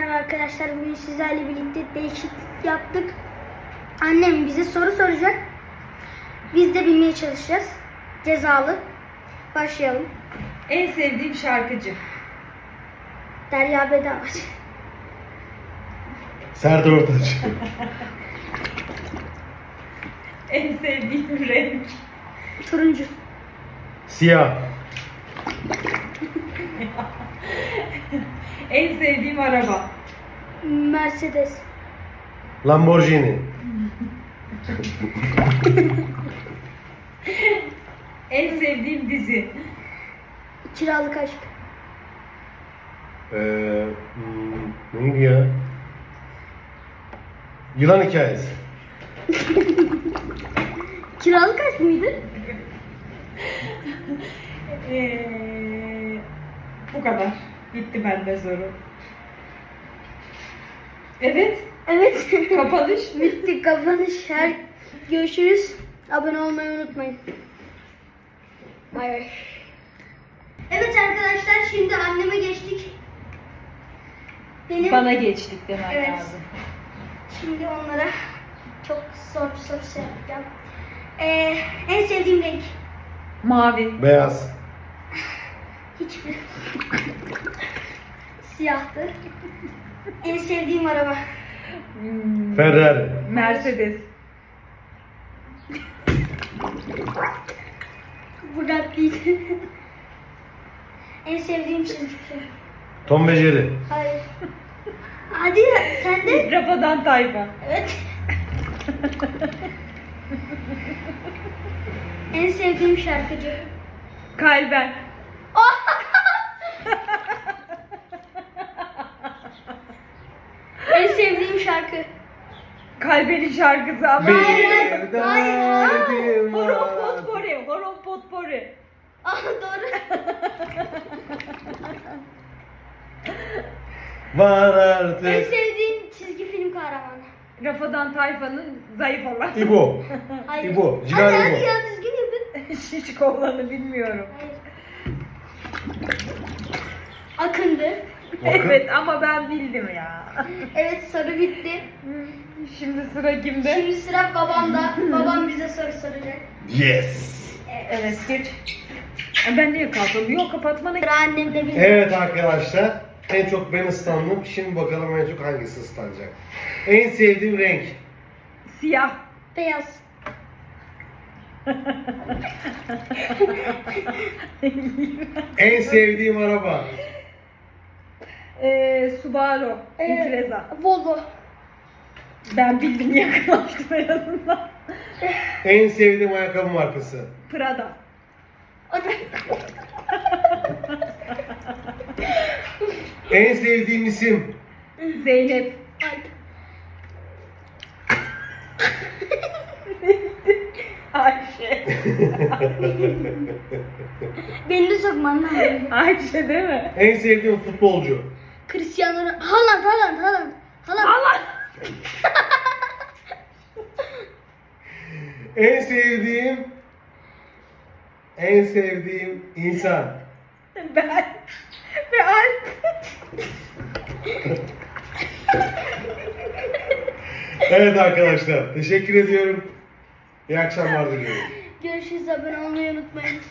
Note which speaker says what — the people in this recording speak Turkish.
Speaker 1: Merhaba arkadaşlar, bugün sizlerle birlikte değişiklik yaptık. Annem bize soru soracak. Biz de bilmeye çalışacağız. Cezalı. Başlayalım.
Speaker 2: En sevdiğim şarkıcı.
Speaker 1: Derya Bedavaç.
Speaker 3: Serdar Ortaç.
Speaker 2: En sevdiğim renk.
Speaker 1: Turuncu.
Speaker 3: Siyah.
Speaker 2: En sevdiğim araba.
Speaker 1: Mercedes.
Speaker 3: Lamborghini.
Speaker 2: En sevdiğim dizi.
Speaker 1: Kiralık aşk.
Speaker 3: Neydi ya? Yılan hikayesi.
Speaker 1: Kiralık aşk mıydı?
Speaker 2: Bu kadar. Bitti bende soru. Evet.
Speaker 1: Evet.
Speaker 2: Kapanış.
Speaker 1: Bitti, kapanış. Görüşürüz. Abone olmayı unutmayın. Bay bay. Evet arkadaşlar, şimdi anneme geçtik.
Speaker 2: Bana geçtik demek
Speaker 1: Evet.
Speaker 2: lazım.
Speaker 1: Şimdi onlara çok zor bir soru yapacağım. En sevdiğim renk?
Speaker 2: Mavi.
Speaker 3: Beyaz.
Speaker 1: Hiçbir. Siyahtı. En sevdiğim araba?
Speaker 3: Ferrari.
Speaker 2: Mercedes.
Speaker 1: Bugatti'ydi. En sevdiğim çizgi film?
Speaker 3: Tom ve Jerry.
Speaker 1: Hayır. Hadi ya, sen de.
Speaker 2: Rafadan Tayfa.
Speaker 1: Evet. En sevdiğim şarkıcı?
Speaker 2: Kalben.
Speaker 1: En sevdiğim şarkı?
Speaker 2: Kalbenin şarkısı ama.
Speaker 1: Hayır.
Speaker 3: derdim
Speaker 2: Horon
Speaker 3: var.
Speaker 2: potpori. Horon potpori.
Speaker 1: Ah, doğru.
Speaker 3: Var
Speaker 1: En
Speaker 3: artık.
Speaker 1: sevdiğim çizgi film kahramanı?
Speaker 2: Rafadan Tayfa'nın zayıf olan.
Speaker 3: İbo.
Speaker 1: Hayır.
Speaker 3: İbo.
Speaker 1: Hadi
Speaker 3: Cigar
Speaker 1: hadi
Speaker 3: İbo.
Speaker 1: ya, düzgün yapın.
Speaker 2: Şişko olanı bilmiyorum.
Speaker 1: Hayır. Akındı.
Speaker 3: Bakın.
Speaker 2: Evet ama ben bildim ya.
Speaker 1: Evet, soru bitti.
Speaker 2: Şimdi sıra kimde?
Speaker 1: Şimdi sıra babamda. Babam bize soru soracak.
Speaker 3: Yes.
Speaker 2: Evet geç. Ben niye kalktım? Yok kapatmana
Speaker 1: Sıra annemde bize.
Speaker 3: Evet arkadaşlar. En çok ben ıslandım. Şimdi bakalım en çok hangisi ıslanacak. En sevdiğim renk.
Speaker 2: Siyah.
Speaker 1: Beyaz.
Speaker 3: En sevdiğim araba.
Speaker 2: Subaru. İmpreza.
Speaker 1: Volvo.
Speaker 2: Ben bildim yakınlaştım en azından.
Speaker 3: En sevdiğim ayakkabı markası.
Speaker 2: Prada.
Speaker 3: En sevdiğim isim.
Speaker 2: Zeynep.
Speaker 1: Alp.
Speaker 2: Ayşe.
Speaker 1: Beni de sokman lazım.
Speaker 2: Ayşe değil mi?
Speaker 3: En sevdiğim futbolcu.
Speaker 1: Cristiano Ronaldo. Haaland.
Speaker 2: Allah.
Speaker 3: En sevdiğim insan.
Speaker 2: Ben. Ve Alp.
Speaker 3: Evet arkadaşlar, teşekkür ediyorum. İyi akşamlar diliyorum.
Speaker 1: Görüşürüz, abone olmayı unutmayın.